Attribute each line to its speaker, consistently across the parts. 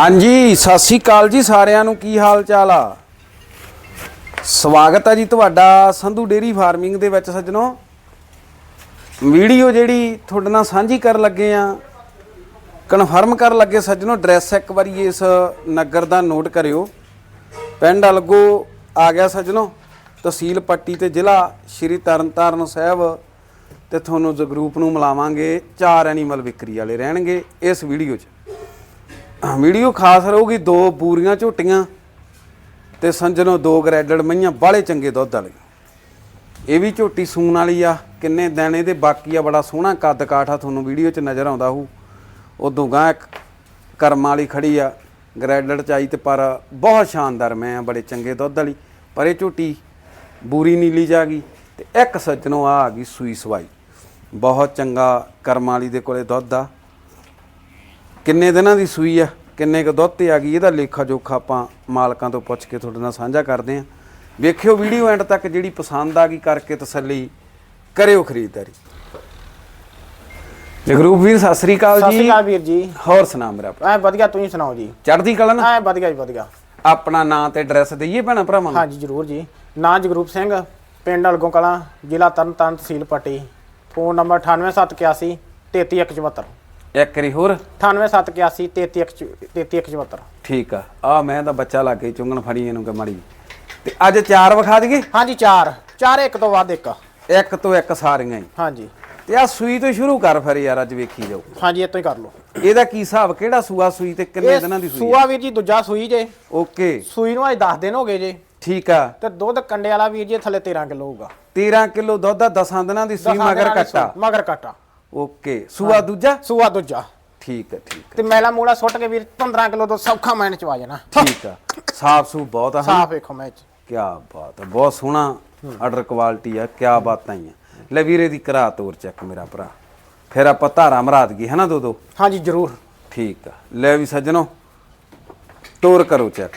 Speaker 1: ਹਾਂਜੀ ਸਤਿ ਸ਼੍ਰੀ ਅਕਾਲ ਜੀ ਸਾਰਿਆਂ ਨੂੰ। ਕੀ ਹਾਲ ਚਾਲ ਆ? ਸਵਾਗਤ ਹੈ ਜੀ ਤੁਹਾਡਾ ਸੰਧੂ ਡੇਅਰੀ ਫਾਰਮਿੰਗ ਦੇ ਵਿੱਚ। ਸੱਜਣੋ, ਵੀਡੀਓ ਜਿਹੜੀ ਤੁਹਾਡੇ ਨਾਲ ਸਾਂਝੀ ਕਰਨ ਲੱਗੇ ਆ, ਕਨਫਰਮ ਕਰਨ ਲੱਗੇ ਸੱਜਣੋ, ਐਡਰੈਸ ਇੱਕ ਵਾਰੀ ਇਸ ਨਗਰ ਦਾ ਨੋਟ ਕਰਿਓ। ਪਿੰਡ ਅਲਗੋ ਆ ਗਿਆ ਸੱਜਣੋ, ਤਹਿਸੀਲ ਪੱਟੀ ਤੇ ਜ਼ਿਲ੍ਹਾ ਸ਼੍ਰੀ ਤਰਨਤਾਰਨ ਸਾਹਿਬ। ਤੇ ਤੁਹਾਨੂੰ ਜਗਰੂਪ ਨੂੰ ਮਿਲਾਵਾਂਗੇ। 4 ਐਨੀਮਲ ਵਿਕਰੀ ਵਾਲੇ ਰਹਿਣਗੇ ਇਸ ਵੀਡੀਓ 'ਚ। ਵੀਡੀਓ ਖਾਸ ਰਹੂਗੀ। 2 ਬੂਰੀਆਂ ਝੋਟੀਆਂ ਤੇ ਸੰਜਣੋ 2 ਗ੍ਰੈਡਡ ਮਈਆਂ, ਬਾਹਲੇ ਚੰਗੇ ਦੁੱਧ ਵਾਲੇ। ਇਹ ਵੀ ਝੋਟੀ ਸੂਣ ਵਾਲੀ ਆ, ਕਿੰਨੇ ਦਿਨ ਇਹਦੇ ਬਾਕੀ ਆ। ਬੜਾ ਸੋਹਣਾ ਕੱਦ ਕਾਠ ਆ, ਤੁਹਾਨੂੰ ਵੀਡੀਓ 'ਚ ਨਜ਼ਰ ਆਉਂਦਾ ਹੋਊ। ਉਦੋਂ ਗਾਂ ਇੱਕ ਕਰਮ ਵਾਲੀ ਖੜੀ ਆ, ਗ੍ਰੈਡਡ ਚਾਈ ਤੇ ਪਰ ਬਹੁਤ ਸ਼ਾਨਦਾਰ ਮੈਂ ਆ, ਬੜੇ ਚੰਗੇ ਦੁੱਧ ਵਾਲੀ। ਪਰ ਇਹ ਝੋਟੀ ਬੂਰੀ ਨੀਲੀ ਜਾ ਗਈ। ਤੇ ਇੱਕ ਸੱਜਣੋ ਆ ਗਈ ਸੂਈ ਸਵਾਈ, ਬਹੁਤ ਚੰਗਾ ਕਰਮ ਵਾਲੀ ਦੇ ਕੋਲੇ ਦੁੱਧ ਆ। ਕਿੰਨੇ ਦਿਨਾਂ ਦੀ ਸੂਈ ਆ, ਕਿੰਨੇ ਕੁ ਦੁੱਧ 'ਤੇ ਆ ਗਈ, ਇਹਦਾ ਲੇਖਾ ਜੋਖਾ ਆਪਾਂ ਮਾਲਕਾਂ ਤੋਂ ਪੁੱਛ ਕੇ ਤੁਹਾਡੇ ਨਾਲ ਸਾਂਝਾ ਕਰਦੇ ਹਾਂ। ਵੇਖਿਓ ਵੀਡੀਓ ਐਂਡ ਤੱਕ, ਜਿਹੜੀ ਪਸੰਦ ਆ ਗਈ ਕਰਕੇ ਤਸੱਲੀ ਕਰਿਓ ਖਰੀਦਦਾਰੀ। ਜਗਰੂਪ ਵੀਰ ਸਤਿ ਸ੍ਰੀ ਅਕਾਲ ਜੀ।
Speaker 2: ਸਤਿ ਸ੍ਰੀ ਅਕਾਲ ਵੀਰ ਜੀ।
Speaker 1: ਹੋਰ ਸੁਣਾ ਮੇਰਾ?
Speaker 2: ਐ ਵਧੀਆ, ਤੁਸੀਂ ਸੁਣਾਓ ਜੀ?
Speaker 1: ਚੜ੍ਹਦੀ ਕਲਾ ਨਾ?
Speaker 2: ਐ ਵਧੀਆ ਜੀ ਵਧੀਆ।
Speaker 1: ਆਪਣਾ ਨਾਂ ਤੇ ਐਡਰੈਸ ਦਈਏ ਭੈਣਾਂ ਭਰਾਵਾਂ ਨੂੰ?
Speaker 2: ਹਾਂਜੀ ਜ਼ਰੂਰ ਜੀ। ਨਾਂ ਜਗਰੂਪ ਸਿੰਘ, ਪਿੰਡ ਅਲਗੋਂ ਕਲਾਂ, ਜ਼ਿਲ੍ਹਾ ਤਰਨਤਾਰਨ, ਤਹਿਸੀਲ ਪੱਟੀ। Phone number 9871 33174।
Speaker 1: ਇੱਕ ਵਾਰੀ ਹੋਰ
Speaker 2: 9871 33174।
Speaker 1: ਠੀਕ ਆ। ਮੈਂ ਤਾਂ ਬੱਚਾ ਲਾ ਕੇ ਚੁੰਗਣ ਫੜੀ ਇਹਨੂੰ ਕਿ ਮਾੜੀ। ਤੇ ਅੱਜ 4 ਵਿਖਾ ਦਈਏ?
Speaker 2: ਹਾਂਜੀ 4 ਇੱਕ ਤੋਂ ਵੱਧ ਇੱਕ।
Speaker 1: ਇੱਕ ਤੋਂ ਇੱਕ ਸਾਰੀਆਂ ਹੀ।
Speaker 2: ਹਾਂਜੀ।
Speaker 1: ਤੇ ਆ ਸੂਈ ਤੋਂ ਸ਼ੁਰੂ ਕਰ ਫਿਰ ਯਾਰ, ਅੱਜ ਵੇਖੀ ਜਾਓ।
Speaker 2: ਹਾਂਜੀ ਇਤੋਂ ਹੀ ਕਰ ਲਓ।
Speaker 1: ਇਹਦਾ ਕੀ ਹਿਸਾਬ, ਕਿਹੜਾ ਸੂਆ ਸੂਈ ਤੇ ਕਿੰਨੇ ਦਿਨਾਂ ਦੀ ਸੂਈ?
Speaker 2: ਸੂਆ ਵੀਰ ਜੀ ਦੂਜਾ ਸੂਈ ਜੇ।
Speaker 1: ਓਕੇ।
Speaker 2: ਸੂਈ ਨੂੰ ਅੱਜ 10 ਦਿਨ ਹੋ ਗਏ ਜੇ।
Speaker 1: ਠੀਕ ਆ।
Speaker 2: ਤੇ ਦੁੱਧ ਕੰਡੇ ਵਾਲਾ ਵੀਰ ਜੀ ਥੱਲੇ 13 ਕਿਲੋ ਹੋਊਗਾ।
Speaker 1: 13 ਕਿਲੋ ਦੁੱਧ ਆ, 10 ਦਿਨਾਂ ਦੀ ਸੂਈ, ਮਗਰ ਕੱਟਾ।
Speaker 2: ਮਗਰ ਕੱਟਾ।
Speaker 1: ਓਕੇ। ਸੂਆ ਦੂਜਾ?
Speaker 2: ਸੂਆ ਦੂਜਾ।
Speaker 1: ਠੀਕ ਹੈ ਠੀਕ
Speaker 2: ਤੇ ਮੈਲਾ ਮੂਲਾ ਸੁੱਟ ਕੇ ਵੀਰ 15 ਕਿਲੋ ਤੋਂ ਸੌਖਾ ਮੈਨ ਚ ਆ ਜਾਣਾ।
Speaker 1: ਠੀਕ ਆ। ਸਾਫ ਸੂ ਬਹੁਤ ਆ।
Speaker 2: ਸਾਫ ਵੇਖੋ ਮੈਚ।
Speaker 1: ਕੀ ਬਾਤ ਹੈ, ਬਹੁਤ ਸੋਹਣਾ ਆਰਡਰ ਕੁਆਲਿਟੀ ਆ। ਕੀ ਬਾਤਾਂ ਹੀ ਆ। ਲੈ ਵੀਰੇ ਦੀ ਕਰਾ ਤੋਰ ਚੱਕ ਮੇਰਾ ਭਰਾ, ਫਿਰ ਆਪਾਂ ਧਾਰਾ ਮਰਾ ਦਈਏ ਹੈ ਨਾ ਦੋ।
Speaker 2: ਹਾਂਜੀ ਜ਼ਰੂਰ।
Speaker 1: ਠੀਕ ਆ। ਲੈ ਵੀ ਸੱਜਣੋ, ਤੋਰ ਕਰੋ ਚੈੱਕ।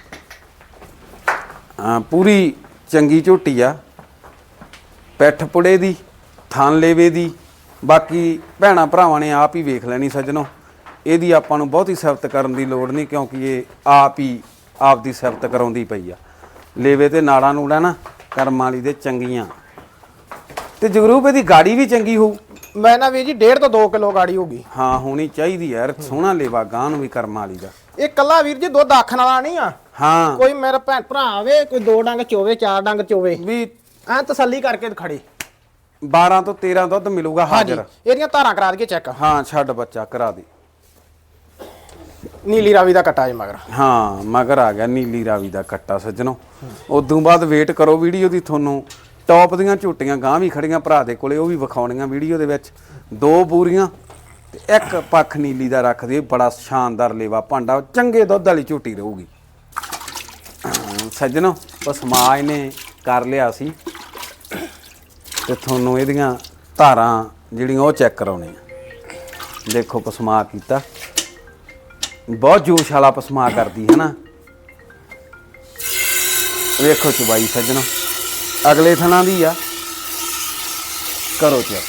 Speaker 1: ਪੂਰੀ ਚੰਗੀ ਝੋਟੀ ਆ, ਪਿੱਠ ਪੁੜੇ ਦੀ, ਥਣ ਲੇਵੇ ਦੀ। ਬਾਕੀ ਭੈਣਾਂ ਭਰਾਵਾਂ ਨੇ ਆਪ ਹੀ ਵੇਖ ਲੈਣੀ ਸੱਜਣੋ, ਇਹਦੀ ਆਪਾਂ ਨੂੰ ਬਹੁਤੀ ਸਿਫਤ ਕਰਨ ਦੀ ਲੋੜ ਨਹੀਂ, ਕਿਉਂਕਿ ਇਹ ਆਪ ਹੀ ਆਪ ਦੀ ਸਿਫਤ ਕਰਾਉਂਦੀ ਪਈ ਆ। ਲੇਵੇ ਤੇ ਨਾੜਾਂ ਨੂੜਾ ਨਾ ਕਰਮ ਵਾਲੀ ਦੇ ਚੰਗੀਆਂ। ਤੇ ਜਗਰੂਪ ਇਹਦੀ ਗਾੜੀ ਵੀ ਚੰਗੀ ਹੋਊ।
Speaker 2: ਮੈਂ ਨਾ ਵੀਰ ਜੀ 1.5 ਤੋਂ 2 ਕਿਲੋ ਗਾੜੀ ਹੋਗੀ।
Speaker 1: ਹਾਂ ਹੋਣੀ ਚਾਹੀਦੀ ਯਾਰ, ਸੋਹਣਾ ਲੇਵਾ ਗਾਂ ਨੂੰ ਵੀ ਕਰਮ ਵਾਲੀ ਦਾ।
Speaker 2: ਇਹ ਕੱਲਾ ਵੀਰ ਜੀ ਦੁੱਧ ਆਖਣ ਵਾਲਾ ਨਹੀਂ ਆ।
Speaker 1: ਹਾਂ,
Speaker 2: ਕੋਈ ਮੇਰਾ ਭੈਣ ਭਰਾ ਆਵੇ, ਕੋਈ 2 ਡੰਗ ਚੋਵੇ, 4 ਡੰਗ ਚੋਵੇ,
Speaker 1: ਵੀ
Speaker 2: ਐ ਤਸੱਲੀ ਕਰਕੇ ਖੜੇ।
Speaker 1: 12 ਤੋਂ 13 ਦੁੱਧ ਮਿਲੂਗਾ ਹਾਜ਼ਰ।
Speaker 2: ਇਹਦੀਆਂ ਧਾਰਾਂ ਕਰਾ ਦਈਏ ਚੈੱਕ।
Speaker 1: ਹਾਂ ਛੱਡ ਬੱਚਾ ਕਰਾ ਦੇ।
Speaker 2: ਨੀਲੀ ਰਾਵੀ ਦਾ ਕੱਟਾ ਜੇ ਮਗਰ।
Speaker 1: ਹਾਂ ਮਗਰ ਆ ਗਿਆ ਨੀਲੀ ਰਾਵੀ ਦਾ ਕੱਟਾ ਸੱਜਣੋ। ਉਦੋਂ ਬਾਅਦ ਵੇਟ ਕਰੋ ਵੀਡੀਓ ਦੀ, ਤੁਹਾਨੂੰ ਟੌਪ ਦੀਆਂ ਝੋਟੀਆਂ ਗਾਂ ਵੀ ਖੜੀਆਂ ਭਰਾ ਦੇ ਕੋਲੇ, ਉਹ ਵੀ ਵਿਖਾਉਣੀਆਂ ਵੀਡੀਓ ਦੇ ਵਿੱਚ। 2 ਬੂਰੀਆਂ ਤੇ ਇੱਕ ਪੱਖ ਨੀਲੀ ਦਾ ਰੱਖ ਦੇ। ਬੜਾ ਸ਼ਾਨਦਾਰ ਲੇਵਾ ਭਾਂਡਾ, ਚੰਗੇ ਦੁੱਧ ਵਾਲੀ ਝੋਟੀ ਰਹੂਗੀ ਸੱਜਣੋ। ਪਸਮਾ ਇਹਨੇ ਕਰ ਲਿਆ ਸੀ ਤੇ ਤੁਹਾਨੂੰ ਇਹਦੀਆਂ ਧਾਰਾਂ ਜਿਹੜੀਆਂ ਉਹ ਚੈੱਕ ਕਰਾਉਣੀਆਂ। ਦੇਖੋ ਪਸਮਾ ਕੀਤਾ, ਬਹੁਤ ਜੋਸ਼ ਵਾਲਾ ਪਸਮਾ ਕਰਦੀ ਹੈ ਨਾ। ਵੇਖੋ ਚੁਬਾਈ ਸੱਜਣੋ, ਅਗਲੇ ਥਣਾ ਦੀ ਆ, ਕਰੋ ਚੈੱਕ।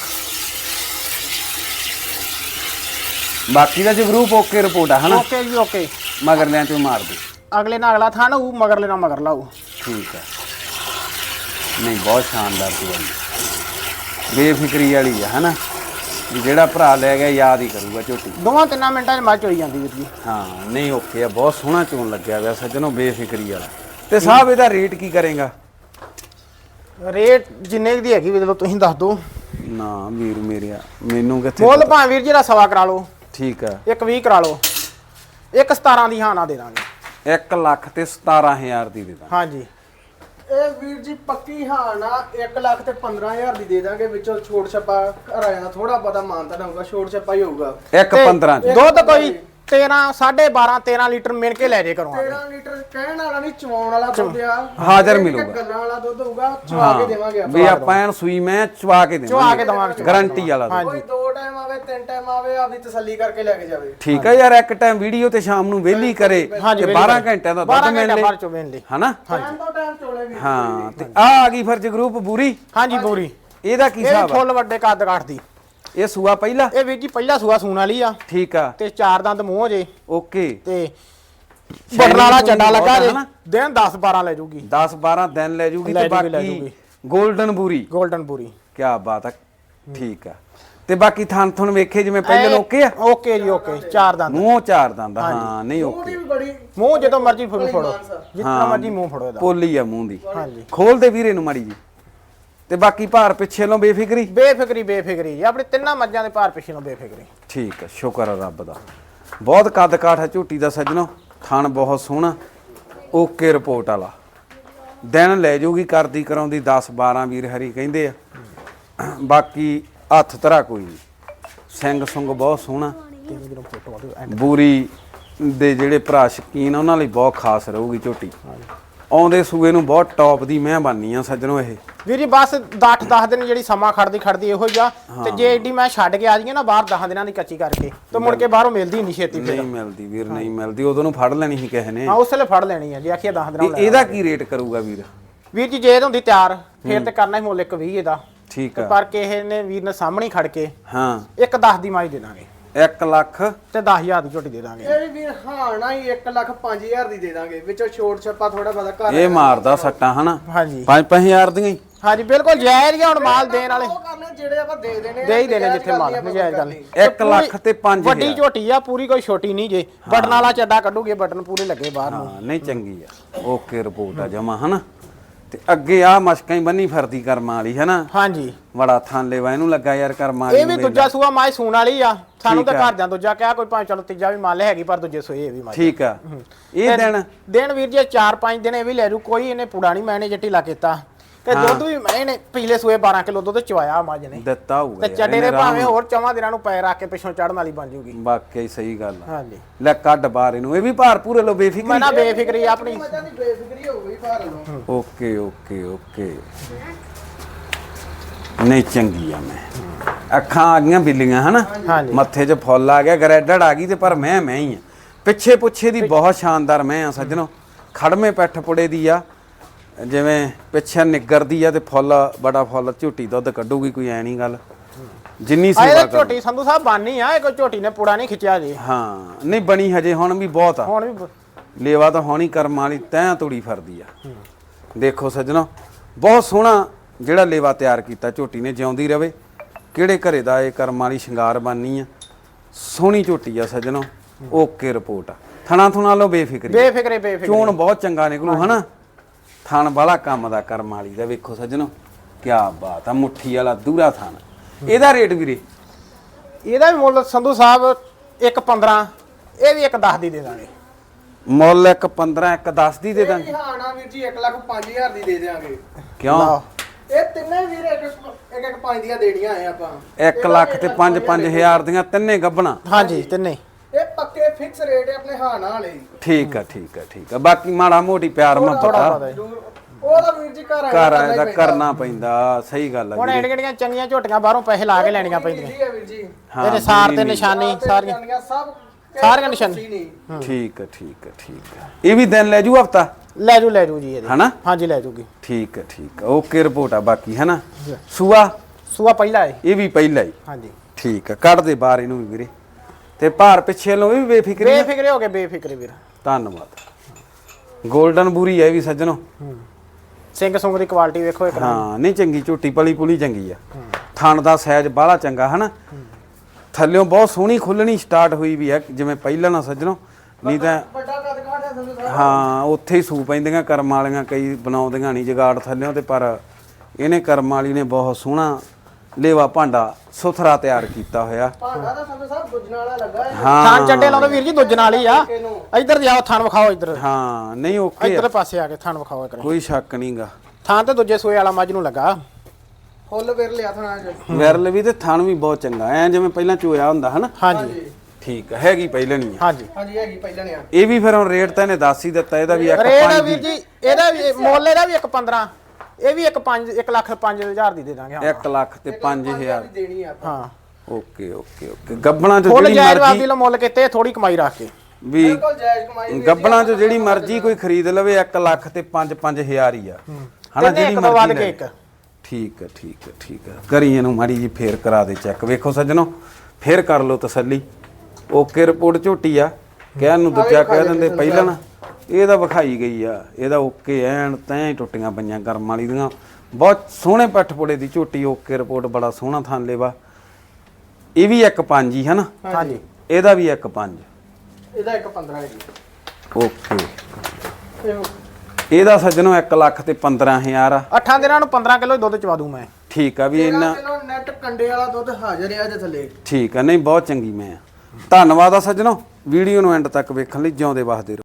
Speaker 1: ਬਾਕੀ ਦਾ ਜਗਰੂਪ ਓਕੇ ਰਿਪੋਰਟ ਆ ਹਨਾ?
Speaker 2: ਓਕੇ ਜੀ ਓਕੇ।
Speaker 1: ਮਗਰਲਿਆਂ ਚੋਂ ਮਾਰ ਦੇ।
Speaker 2: ਅਗਲੇ ਨਾਲ ਅਗਲਾ ਥਾਂ ਹੋਊ, ਮਗਰਲੇ ਨਾਲ ਮਗਰ ਲਾਊ।
Speaker 1: ਠੀਕ ਆ। ਨਹੀਂ ਬਹੁਤ ਸ਼ਾਨਦਾਰ ਚੁਬਾਈ, ਬੇਫਿਕਰੀ ਵਾਲੀ ਆ ਹਨਾ। ਵੀ ਜਿਹੜਾ ਭਰਾ ਲੈ ਗਿਆ ਯਾਦ ਹੀ ਕਰੂਗਾ ਝੋਟੀ।
Speaker 2: 2-3 ਮਿੰਟਾਂ 'ਚ ਮੱਝ ਹੋਈ ਜਾਂਦੀ ਵੀਰ ਜੀ।
Speaker 1: ਹਾਂ ਨਹੀਂ ਓਕੇ ਆ, ਬਹੁਤ ਸੋਹਣਾ ਚੋਣ ਲੱਗਿਆ ਹੋਇਆ ਸੱਜਣੋ, ਬੇਫਿਕਰੀ ਵਾਲਾ। ਤੇ ਸਾਹਿਬ ਇਹਦਾ ਰੇਟ ਕੀ ਕਰੇਗਾ?
Speaker 2: ਰੇਟ ਜਿੰਨੇ ਦੀ ਹੈਗੀ ਵੀਰ ਤੁਸੀਂ ਦੱਸ ਦਿਓ।
Speaker 1: ਨਾ ਵੀਰ ਮੇਰਿਆ, ਮੈਨੂੰ ਕਿੱਥੇ
Speaker 2: ਮੁੱਲ ਭਾਵੇਂ ਵੀਰ ਜੀ ਦਾ 1.25 ਕਰਾ ਲਓ।
Speaker 1: ਠੀਕ ਆ।
Speaker 2: 1.20 ਕਰਾ ਲਓ। 1.17 ਦੀ ਹਾਂ ਨਾ ਦੇ ਦਾਂਗੇ।
Speaker 1: 1,17,000 ਦੀ ਦੇ ਦਾਂ।
Speaker 2: ਹਾਂਜੀ ਇਹ ਵੀਰ ਜੀ ਪੱਕੀ ਹਾਂ ਨਾ 1,15,000 ਦੀ ਦੇ ਦਾਂਗੇ। ਵਿੱਚੋਂ ਛੋਟ ਛੱਪਾ ਘਰਾਇਆ ਥੋੜਾ ਬਹੁਤਾ ਮਾਨਤਾ ਹੋਊਗਾ, ਛੋਟ ਛੱਪਾ ਹੀ ਹੋਊਗਾ।
Speaker 1: 1,15 ਚ
Speaker 2: ਦੁੱਧ ਕੋਈ 13 12.5 13 ਲੀਟਰ ਮਿਣ ਕੇ ਲੈ ਜੇ ਕਰੋ।
Speaker 3: 13 ਲੀਟਰ ਕਹਿਣ ਵਾਲਾ ਨਹੀਂ, ਚਵਾਉਣ ਵਾਲਾ ਦੁੱਧ ਆ।
Speaker 1: ਹਾਜ਼ਰ ਮਿਲੂਗਾ।
Speaker 3: ਗੱਲਾਂ ਵਾਲਾ ਦੁੱਧ ਹੋਊਗਾ, ਚਵਾ ਕੇ ਦੇਵਾਂਗੇ ਆਪਾਂ।
Speaker 1: ਵੀ ਆਪਾਂ ਐਨ ਸੂਈ ਮੈਂ ਚਵਾ ਕੇ
Speaker 2: ਚਵਾ ਕੇ ਦੇਵਾਂਗੇ।
Speaker 1: ਗਾਰੰਟੀ ਵਾਲਾ ਦੁੱਧ।
Speaker 3: ਕੋਈ 2 ਟਾਈਮ ਆਵੇ 3 ਟਾਈਮ ਆਵੇ, ਆਪਦੀ ਤਸੱਲੀ ਕਰਕੇ ਲੈ ਕੇ ਜਾਵੇ।
Speaker 1: ਠੀਕ ਆ ਯਾਰ, ਇੱਕ ਟਾਈਮ ਵੀਡੀਓ ਤੇ ਸ਼ਾਮ ਨੂੰ ਵਿਹਲੀ ਕਰੇ ਤੇ 12 ਘੰਟਿਆਂ ਦਾ ਦੁੱਧ ਮਿਲ ਲੇ ਹਨਾ।
Speaker 3: ਟਾਈਮ ਤੋਂ ਟਾਈਮ ਚੋਲੇ ਵੀ।
Speaker 1: ਹਾਂ ਤੇ ਆ ਗਈ ਫਿਰ ਜਗਰੂਪ ਬੂਰੀ।
Speaker 2: ਹਾਂਜੀ ਬੂਰੀ।
Speaker 1: ਇਹਦਾ ਕੀ
Speaker 2: ਇਹ
Speaker 1: ਹਿਸਾਬ ਆ?
Speaker 2: ਫੁੱਲ ਵੱਡੇ ਕੱਦ ਕਾਠ ਦੀ।
Speaker 1: ਇਹ ਸੂਆ ਪਹਿਲਾ?
Speaker 2: ਇਹ ਵੀਰ ਜੀ ਪਹਿਲਾ ਸੂਆ ਸੂਣ ਵਾਲੀ ਆ
Speaker 1: ਠੀਕ ਆ।
Speaker 2: ਤੇ 4 ਦੰਦ ਮੂੰਹ ਜੇ
Speaker 1: ਓਕੇ।
Speaker 2: ਤੇ ਬਟਨ ਵਾਲਾ ਚੱਡਾ ਲੱਗਾ ਜੇ
Speaker 1: ਹਨਾ?
Speaker 2: ਦਿਨ 10 12 ਲੈ ਜੂਗੀ
Speaker 1: 10 12 ਦਿਨ ਲੈ ਜੂਗੀ ਤੇ ਬਾਕੀ ਗੋਲਡਨ ਬੂਰੀ।
Speaker 2: ਗੋਲਡਨ ਪੂਰੀ।
Speaker 1: ਕੀ ਬਾਤ ਆ। ਠੀਕ ਆ। ਤੇ ਬਾਕੀ ਥਣ ਥਣ ਵੇਖੇ ਜਿਵੇਂ ਪਹਿਲੇ ਓਕੇ ਆ?
Speaker 2: ਓਕੇ ਜੀ ਓਕੇ। 4 ਦੰਦ
Speaker 1: ਮੂੰਹ 4 ਦੰਦ। ਹਾਂ ਨਹੀਂ ਓਕੇ।
Speaker 2: ਮੂੰਹ ਜਦੋਂ ਮਰਜੀ ਫੜੋ ਜਿੰਨਾ ਮਰਜੀ ਮੂੰਹ ਫੜੋ ਇਹਦਾ।
Speaker 1: ਪੋਲੀ ਆ ਮੂੰਹ ਦੀ।
Speaker 2: ਹਾਂਜੀ
Speaker 1: ਖੋਲ ਦੇ ਵੀਰੇ ਨੂੰ ਮਾੜੀ ਜੀ। ਤੇ ਬਾਕੀ ਭਾਰ ਪਿੱਛੇ ਨੂੰ ਬੇਫਿਕਰੀ?
Speaker 2: ਬੇਫਿਕਰੀ ਆਪਣੇ ਤਿੰਨਾਂ ਮੱਝਾਂ ਦੇ ਭਾਰ ਪਿੱਛੇ ਨੂੰ ਬੇਫਿਕਰੀ।
Speaker 1: ਠੀਕ ਆ। ਸ਼ੁਕਰ ਆ ਰੱਬ ਦਾ। ਬਹੁਤ ਕੱਦ ਕਾਠ ਹੈ ਝੋਟੀ ਦਾ ਸੱਜਣੋ। ਥਣ ਬਹੁਤ ਸੋਹਣਾ। ਓਕੇ ਰਿਪੋਰਟ ਵਾਲਾ। ਦਿਨ ਲੈ ਜਾਊਗੀ ਕਰਦੀ ਕਰਾਉਂਦੀ 10 12 ਵੀਰ ਹਰੀ ਕਹਿੰਦੇ ਆ। ਬਾਕੀ ਹੱਥ ਧਰਾ ਕੋਈ ਨਹੀਂ। ਸਿੰਘ ਸੁੰਗ ਬਹੁਤ ਸੋਹਣਾ। ਬੂਰੀ ਦੇ ਜਿਹੜੇ ਭਰਾ ਸ਼ਕੀਨ ਉਹਨਾਂ ਲਈ ਬਹੁਤ ਖਾਸ ਰਹੂਗੀ ਝੋਟੀ। ਆਉਂਦੇ ਸੂਏ ਨੂੰ ਬਹੁਤ ਟੌਪ ਦੀ ਮੈਂ ਬਣਨੀ ਆ ਸੱਜਣੋ। ਇਹ
Speaker 2: ਵੀਰ ਜੀ ਬਸ 8-10 ਦਿਨ ਜਿਹੜੀ ਸਮਾਂ ਖੜਦੀ ਇਹੋ ਹੀ ਆ। ਤੇ ਜੇ ਏਡੀ ਮੈਂ ਛੱਡ ਕੇ ਆ ਜਾਈਏ ਨਾ ਬਾਹਰ 10 ਦਿਨਾਂ ਦੀ ਕੱਚੀ ਕਰਕੇ ਤੇ ਮੁੜ ਕੇ ਬਾਹਰੋਂ ਮਿਲਦੀ ਨਹੀਂ ਛੇਤੀ।
Speaker 1: ਨਹੀਂ ਮਿਲਦੀ ਵੀਰ, ਨਹੀਂ ਮਿਲਦੀ। ਉਦੋਂ ਨੂੰ ਫੜ ਲੈਣੀ ਸੀ ਕਿਸੇ ਨੇ।
Speaker 2: ਹਾਂ ਉਸ ਵੇਲੇ ਫੜ ਲੈਣੀ ਆ ਜੀ ਆਖੀਏ 10 ਦਿਨਾਂ ਨੂੰ।
Speaker 1: ਇਹਦਾ ਕੀ ਰੇਟ ਕਰੂਗਾ ਵੀਰ?
Speaker 2: ਵੀਰ ਜੀ ਜੇ ਇਹ ਹੁੰਦੀ ਤਿਆਰ ਫੇਰ ਤੇ ਕਰਨਾ ਹੀ ਮੁੱਲ 120 ਇਹਦਾ।
Speaker 1: ਠੀਕ ਆ।
Speaker 2: ਪਰ ਕਿਸੇ ਨੇ ਵੀਰ ਨੇ ਸਾਹਮਣੇ ਖੜ ਕੇ
Speaker 1: ਹਾਂ
Speaker 2: 1-10 ਦੀ ਮਾਈ ਦੇ ਦਾਂਗੇ।
Speaker 1: 1 ਲੱਖ
Speaker 2: ਤੇ 10,000 ਦੀ ਝੋਟੀ ਦੇ ਦਾਂਗੇ।
Speaker 3: ਇਹ ਵੀ ਵੀਰ ਹਾਂ ਨਾ ਹੀ 1,05,000 ਦੀ ਦੇ ਦਾਂਗੇ। ਵਿੱਚੋਂ ਛੋਟ ਛੱਪਾ ਥੋੜਾ ਬਹੁਤਾ ਘਰ
Speaker 1: ਇਹ ਮਾਰਦਾ ਸੱਟਾਂ ਹਨਾ?
Speaker 2: ਹਾਂਜੀ
Speaker 1: 5-5000 ਦੀਆਂ ਹੀ।
Speaker 2: ਹਾਂਜੀ ਬਿਲਕੁਲ ਜਾਇਜ਼ ਗਿਆ। ਹੁਣ ਮਾਲ ਦੇਣ ਵਾਲੇ
Speaker 3: ਉਹ ਕਰਨੇ ਜਿਹੜੇ ਆਪਾਂ ਦੇ ਦੇਣੇ
Speaker 2: ਦੇ ਹੀ ਦੇਣੇ ਜਿੱਥੇ ਮਾਲ ਨਜਾਇਜ਼ ਗੱਲ ਨਹੀਂ।
Speaker 1: 1 ਲੱਖ ਤੇ 5,000।
Speaker 2: ਵੱਡੀ ਝੋਟੀ ਆ ਪੂਰੀ, ਕੋਈ ਛੋਟੀ ਨਹੀਂ ਜੇ। ਬਟਨ ਵਾਲਾ ਚੱਡਾ ਕੱਢੂਗੇ, ਬਟਨ ਪੂਰੇ ਲੱਗੇ ਬਾਹਰ ਨੂੰ।
Speaker 1: ਹਾਂ ਨਹੀਂ ਚੰਗੀ ਆ। ਓਕੇ ਰਿਪੋਰਟ ਆ ਜਮਾ ਹਨਾ? ਤੇ ਅੱਗੇ ਆ ਮਸ਼ਕਾਂ ਹੀ ਬੰਨੀ ਫਿਰਦੀ ਕਰਮਾਂ ਵਾਲੀ ਹੈ ਨਾ?
Speaker 2: ਹਾਂਜੀ
Speaker 1: ਬੜਾ ਥਾਂ ਲੈਵਾ ਇਹਨੂੰ ਲੱਗਾ ਯਾਰ ਕਰਮਾਂ ਵਾਲੀ।
Speaker 2: ਇਹ ਵੀ ਦੂਜਾ ਸੂਆ ਮਾਈ ਸੂਣ ਵਾਲੀ ਆ। ਸਾਨੂੰ ਤਾਂ ਘਰ ਜਾਂ ਦੂਜਾ ਕਿਹਾ ਕੋਈ ਭਾਵੇਂ ਚਲੋ ਤੀਜਾ ਵੀ ਮੰਨ ਲੈ ਹੈਗੀ, ਪਰ ਦੂਜੇ ਸੂਏ ਇਹ ਵੀ ਮਾਈ।
Speaker 1: ਠੀਕ ਆ। ਇਹ ਦਿਨ
Speaker 2: ਵੀਰ ਜੀ 4-5 ਦਿਨ ਇਹ ਵੀ ਲੈ ਜੂ। ਕੋਈ ਇਹਨੇ ਪੂੜਾ ਨਹੀਂ ਮੈਨੇ ਜੱਟੀ ਲਾ ਕੀਤਾ। ਤੇ ਦੁੱਧ ਵੀ ਇਹਨੇ ਪਿਛਲੇ ਸੂਏ 12 ਕਿਲੋ ਦੁੱਧ ਚਵਾਇਆ ਮੱਝ ਨੇ
Speaker 1: ਦਿੱਤਾ ਹੋਊਗਾ।
Speaker 2: ਤੇ ਚੱਡੇ ਦੇ ਭਾਵੇਂ ਹੋਰ 4 ਦਿਨਾਂ ਨੂੰ ਪੈਰ ਰੱਖ ਕੇ ਪਿੱਛੋਂ ਚੜਨ ਵਾਲੀ ਬਣ ਜੂਗੀ।
Speaker 1: ਵਾਕਈ ਸਹੀ ਗੱਲ ਆ।
Speaker 2: ਹਾਂਜੀ
Speaker 1: ਲੈ ਕੱਢ ਬਾਹਰ ਇਹਨੂੰ। ਇਹ ਵੀ ਭਾਰ ਪੂਰੇ ਲੋ ਬੇਫਿਕਰੀ।
Speaker 2: ਮੈਂ ਨਾ ਬੇਫਿਕਰੀ ਆਪਣੀ।
Speaker 3: ਮੱਝਾਂ ਦੀ ਬੇਫਿਕਰੀ ਹੋ ਗਈ ਭਾਰ ਨੂੰ।
Speaker 1: Okay okay okay. ਨਹੀਂ ਚੰਗੀ ਆ। ਮੈਂ ਅੱਖਾਂ ਆ ਗਈਆਂ ਬਿੱਲੀਆਂ ਹਨਾ?
Speaker 2: ਹਾਂਜੀ
Speaker 1: ਮੱਥੇ 'ਚ ਫੁੱਲ ਆ ਗਿਆ, ਗਰੈਡਡ ਆ ਗਈ। ਤੇ ਪਰ ਮੈਂ ਹੀ ਆ। ਪਿੱਛੇ ਪੁੱਛੇ ਦੀ ਬਹੁਤ ਸ਼ਾਨਦਾਰ ਮੈਂ ਆ ਸੱਜਣੋ। ਖੜਮੇ ਪੈਠ ਪੁੜੇ ਦੀ ਆ। ਜਿਵੇਂ ਪਿੱਛੇ ਨਿੱਗਰਦੀ ਆ ਤੇ ਫੁੱਲ ਬੜਾ ਫੁੱਲ ਝੋਟੀ ਦੁੱਧ ਕੱਢੂਗੀ। ਕੋਈ ਐ ਨਹੀਂ ਗੱਲ। ਜਿੰਨੀ ਸੇਵਾ ਕਰ
Speaker 2: ਝੋਟੀ ਸੰਧੂ ਸਾਹਿਬ ਬਾਨੀ ਆ। ਇਹ ਕੋਈ ਝੋਟੀ ਨੇ ਪੂੜਾ ਨਹੀਂ ਖਿੱਚਿਆ ਜੀ।
Speaker 1: ਹਾਂ ਨਹੀਂ ਬਣੀ ਹਜੇ। ਹੁਣ ਵੀ ਬਹੁਤ ਆ।
Speaker 2: ਹੁਣ ਵੀ
Speaker 1: ਲੇਵਾ ਤਾਂ ਹੋਣੀ ਕਰਮ ਵਾਲੀ ਤੈਂ ਤੋੜੀ ਫਿਰਦੀ ਆ। ਦੇਖੋ ਸੱਜਣੋ ਬਹੁਤ ਸੋਹਣਾ ਜਿਹੜਾ ਲੇਵਾ ਤਿਆਰ ਕੀਤਾ ਝੋਟੀ ਨੇ। ਜਿਉਂਦੀ ਰਵੇ। ਕਿਹੜੇ ਘਰੇ ਦਾ ਇਹ ਕਰਮ ਵਾਲੀ ਸ਼ਿੰਗਾਰ ਬਾਨੀ ਆ। ਸੋਹਣੀ ਝੋਟੀ ਆ ਸੱਜਣੋ। ਓਕੇ ਰਿਪੋਰਟ ਆ। ਥਣਾ ਥੁਣਾ ਲੋ ਬੇਫਿਕਰੀ। ਚੋਣ ਬਹੁਤ ਚੰਗਾ ਨਿਕਲੂ ਹਨਾ? ਥਣ ਵਾਲਾ ਕੰਮ ਦਾ ਕਰਮ ਵਾਲੀ ਦਾ। ਵੇਖੋ ਸੱਜਣੋ ਕੀ ਬਾਤ ਆ। ਮੁੱਠੀ ਵਾਲਾ ਦੂਰਾ ਥਣ। ਇਹਦਾ ਰੇਟ ਵੀਰੇ?
Speaker 2: ਇਹਦਾ ਵੀ ਮੁੱਲ ਸੰਧੂ ਸਾਹਿਬ 1.15। ਇਹ ਵੀ 1.10 ਦੀ ਦੇ ਦਾਂਗੇ।
Speaker 1: ਮੁੱਲ 1.15 1.10 ਦੀ ਦੇ ਦਾਂਗੇ।
Speaker 3: ਹਾਂ ਨਾ ਵੀਰ ਜੀ 1,05,000 ਦੀ ਦੇ ਦੇਾਂਗੇ।
Speaker 1: ਕਿਉਂ?
Speaker 3: ਇਹ ਤਿੰਨੇ ਵੀਰ ਇੱਕ 5 ਦੀਆਂ ਦੇਣੀਆਂ ਆ ਆਪਾਂ।
Speaker 1: 1 ਲੱਖ ਤੇ 5-5000 ਦੀਆਂ ਤਿੰਨੇ ਗੱਬਣਾ?
Speaker 2: ਹਾਂਜੀ ਤਿੰਨੇ।
Speaker 3: ਇਹ ਪੱਕੇ ਫਿਕਸ ਰੇਟ ਹੈ ਆਪਣੇ ਹਾਨਾ ਵਾਲੇ।
Speaker 1: ਠੀਕ ਆ ਠੀਕ ਆ ਠੀਕ ਆ। ਬਾਕੀ ਮਾੜਾ ਮੋਟੀ ਪਿਆਰ ਮੁਹੱਬਤ
Speaker 3: ਉਹਦਾ ਵੀਰ ਜੀ
Speaker 1: ਘਰ ਆਇਆ ਦਾ ਕਰਨਾ ਪੈਂਦਾ। ਸਹੀ ਗੱਲ ਆ
Speaker 2: ਹੁਣ ਐਡੀਆਂ ਚੰਗੀਆਂ ਝੋਟੀਆਂ ਬਾਹਰੋਂ ਪੈਸੇ ਲਾ ਕੇ ਲੈਣੀਆਂ ਪੈਂਦੀਆਂ।
Speaker 3: ਜੀ ਵੀਰ ਜੀ
Speaker 2: ਇਹਦੇ ਸਾਰ ਤੇ ਨਿਸ਼ਾਨੀ ਸਾਰੀਆਂ
Speaker 3: ਸਾਰੀਆਂ
Speaker 2: ਨਿਸ਼ਾਨੀ।
Speaker 1: ਠੀਕ ਆ ਠੀਕ ਆ ਠੀਕ ਆ। ਇਹ ਵੀ ਦਿਨ ਲੈ ਜੂ ਹਫਤਾ?
Speaker 2: ਲੈ ਜੂ ਜੀ ਇਹਦੇ।
Speaker 1: ਹਨਾ?
Speaker 2: ਹਾਂਜੀ ਲੈ ਜੂਗੀ।
Speaker 1: ਠੀਕ ਆ ਠੀਕ ਆ। ਓਕੇ ਰਿਪੋਰਟ ਆ। ਬਾਕੀ ਹੈ ਨਾ? ਸੂਆ
Speaker 2: ਪਹਿਲਾ ਹੈ।
Speaker 1: ਇਹ ਵੀ ਪਹਿਲਾ ਹੀ?
Speaker 2: ਹਾਂਜੀ
Speaker 1: ਠੀਕ ਆ। ਕੱਢ ਦੇ ਬਾਹਰ ਇਹਨੂੰ ਵੀ ਵੀਰੇ। ਤੇ ਭਾਰ ਪਿੱਛੇ ਲੋ ਵੀ
Speaker 2: ਬੇਫਿਕਰੇ ਹੋ ਗਏ। ਬੇਫਿਕਰੇ ਵੀਰ
Speaker 1: ਧੰਨਵਾਦ। ਗੋਲਡਨ ਬੂਰੀ ਹੈ ਵੀ ਸੱਜਣੋ।
Speaker 2: ਸਿੰਘ ਸੁੰਗ ਦੀ ਕੁਆਲਿਟੀ ਵੇਖੋ ਇੱਕ।
Speaker 1: ਹਾਂ ਨਹੀਂ ਚੰਗੀ ਝੋਟੀ ਪਲੀ ਪੁਲੀ ਚੰਗੀ ਆ। ਥਣ ਦਾ ਸਾਈਜ਼ ਬਾਹਲਾ ਚੰਗਾ ਹਨਾ? ਥੱਲਿਓਂ ਬਹੁਤ ਸੋਹਣੀ ਖੁੱਲਣੀ ਸਟਾਰਟ ਹੋਈ ਵੀ ਆ ਜਿਵੇਂ ਪਹਿਲਾਂ ਨਾ ਸੱਜਣੋ। ਨਹੀਂ ਤਾਂ
Speaker 3: ਵੱਡਾ ਕੱਦ ਕਾਠ ਹੈ ਸੰਧੂ ਸਾਹਿਬ।
Speaker 1: ਹਾਂ ਉੱਥੇ ਹੀ ਸੂ ਪੈਂਦੀਆਂ ਕਰਮ ਵਾਲੀਆਂ। ਕਈ ਬਣਾਉਂਦੀਆਂ ਨਹੀਂ ਜਗਾੜ ਥੱਲਿਓਂ। ਤੇ ਪਰ ਇਹਨੇ ਕਰਮ ਵਾਲੀ ਨੇ ਬਹੁਤ ਸੋਹਣਾ ਲੇਵਾ ਭਾਂਡਾ ਸੁਥਰਾ ਤਿਆਰ ਕੀਤਾ ਹੋਇਆ।
Speaker 3: ਭਾਂਡਾ ਦਾ ਸੰਧੂ ਸਾਹਿਬ ਦੁੱਜਣ ਵਾਲਾ ਲੱਗਾ ਹੈ।
Speaker 2: ਥਣ ਚੱਡੇ ਲਾਉਂਦੇ ਵੀਰ ਜੀ ਦੁੱਜਣ ਵਾਲੀ ਆ। ਇੱਧਰ ਜਾਓ ਥਣ ਵਿਖਾਓ ਇੱਧਰ।
Speaker 1: ਹਾਂ ਨਹੀਂ ਓਕੇ।
Speaker 2: ਇੱਧਰ ਪਾਸੇ ਆ ਕੇ ਥਣ ਵਿਖਾਓ ਇੱਕ।
Speaker 1: ਕੋਈ ਸ਼ੱਕ ਨਹੀਂਗਾ।
Speaker 2: ਥਣ ਤੇ ਦੂਜੇ ਸੂਏ ਵਾਲਾ ਮੱਝ ਨੂੰ ਲੱਗਾ।
Speaker 3: ਫੁੱਲ ਵਿਰ ਲਿਆ ਥਣਾ ਚ।
Speaker 1: ਵਿਰਲ ਵੀ ਤੇ ਥਣ ਵੀ ਬਹੁਤ ਚੰਗਾ ਐ ਜਿਵੇਂ ਪਹਿਲਾਂ ਚੋਇਆ ਹੁੰਦਾ ਹਨਾ?
Speaker 2: ਹਾਂਜੀ
Speaker 1: ਠੀਕ ਆ। ਹੈਗੀ ਪਹਿਲਾਂ ਨਹੀਂ ਆ?
Speaker 2: ਹਾਂਜੀ
Speaker 3: ਹੈਗੀ ਪਹਿਲਾਂ ਨੇ।
Speaker 1: ਇਹ ਵੀ ਫਿਰ ਹੁਣ ਰੇਟ ਤਾਂ ਇਹਨੇ ਦੱਸ ਹੀ ਦਿੱਤਾ। ਇਹਦਾ ਵੀ
Speaker 2: ਰੇਟ ਵੀਰ ਜੀ ਇਹਦਾ ਵੀ ਮੁੱਲ ਇਹਦਾ ਵੀ 1.15। ਇਹ ਵੀ 1,05,000 ਦੀ ਦੇ ਦਾਂਗੇ।
Speaker 1: 1 ਲੱਖ ਤੇ 5,000
Speaker 3: ਦੀ ਦੇਣੀ ਆ ਆਪਾਂ।
Speaker 2: ਹਾਂ
Speaker 1: ਓਕੇ ਓਕੇ ਓਕੇ। ਗੱਬਣਾ ਚ
Speaker 2: ਫੁੱਲ
Speaker 1: ਜਿਹੜੀ
Speaker 2: ਜਾਇਜ਼
Speaker 1: ਮਰਜ਼ੀ
Speaker 2: ਵਾਦੀ ਲੋ ਮੁੱਲ ਕਿਤੇ ਥੋੜੀ ਕਮਾਈ ਰੱਖ ਕੇ
Speaker 1: ਵੀ
Speaker 3: ਬਿਲਕੁਲ ਜਾਇਜ਼ ਕਮਾਈ।
Speaker 1: ਗੱਬਣਾ ਚ ਜਿਹੜੀ ਮਰਜ਼ੀ ਕੋਈ ਖਰੀਦ ਲਵੇ 1 ਲੱਖ ਤੇ 5-5000 ਹੀ ਆ ਹਨਾ? ਜਿਹੜੀ
Speaker 2: ਵੱਧ ਕੇ
Speaker 1: ਮਰਜ਼ੀ
Speaker 2: ਇੱਕ।
Speaker 1: ਠੀਕ ਹੈ ਠੀਕ ਹੈ ਠੀਕ ਹੈ। ਕਰੀ ਇਹਨੂੰ ਮਾੜੀ ਜੀ ਫੇਰ ਕਰਾ ਦੇ ਚੈੱਕ। ਵੇਖੋ ਸੱਜਣੋ ਫੇਰ ਕਰ ਲਓ ਤਸੱਲੀ। ਓਕੇ ਰਿਪੋਰਟ ਝੋਟੀ ਆ, ਕਹਿਣ ਨੂੰ ਦੂਜਾ ਕਹਿ ਦਿੰਦੇ ਪਹਿਲਾਂ ਨਾ, ਇਹਦਾ ਵਿਖਾਈ ਗਈ ਆ, ਇਹਦਾ ਓਕੇ ਐਨ ਤੈਂ ਹੀ ਟੁੱਟੀਆਂ ਪਈਆਂ ਕਰਮ ਵਾਲੀ ਦੀਆਂ। ਬਹੁਤ ਸੋਹਣੇ ਪੱਠਪੁੜੇ ਦੀ ਝੋਟੀ, ਓਕੇ ਰਿਪੋਰਟ, ਬੜਾ ਸੋਹਣਾ ਥਣ ਲੇਵਾ। ਇਹ ਵੀ 1.5 ਹੀ ਹੈ ਨਾ?
Speaker 2: ਹਾਂਜੀ
Speaker 1: ਇਹਦਾ ਵੀ 1.5।
Speaker 2: ਇਹਦਾ 1.15 ਹੈ ਜੀ।
Speaker 1: ਓਕੇ।
Speaker 2: ਇਹ
Speaker 1: ਇਹਦਾ ਸੱਜਣੋ 1,15,000 ਆ।
Speaker 3: 8 ਦਿਨਾਂ ਨੂੰ 15 ਕਿਲੋ ਦੁੱਧ ਚਵਾ ਦੂੰ ਮੈਂ।
Speaker 1: ਠੀਕ ਆ ਵੀ ਇੰਨਾ
Speaker 2: ਕਿਲੋ ਨੈਟ ਕੰਡੇ ਵਾਲਾ ਦੁੱਧ ਹਾਜ਼ਰ ਆ ਜੇ ਥੱਲੇ।
Speaker 1: ਠੀਕ ਆ, ਨਹੀਂ ਬਹੁਤ ਚੰਗੀ ਮੈਂ ਆ। ਧੰਨਵਾਦ ਆ ਸੱਜਣੋ, ਵੀਡੀਓ ਨੂੰ ਐਂਡ ਤੱਕ ਵੇਖਣ ਲਈ। ਜਿਉਂਦੇ ਵਸਦੇ ਰਹੋ।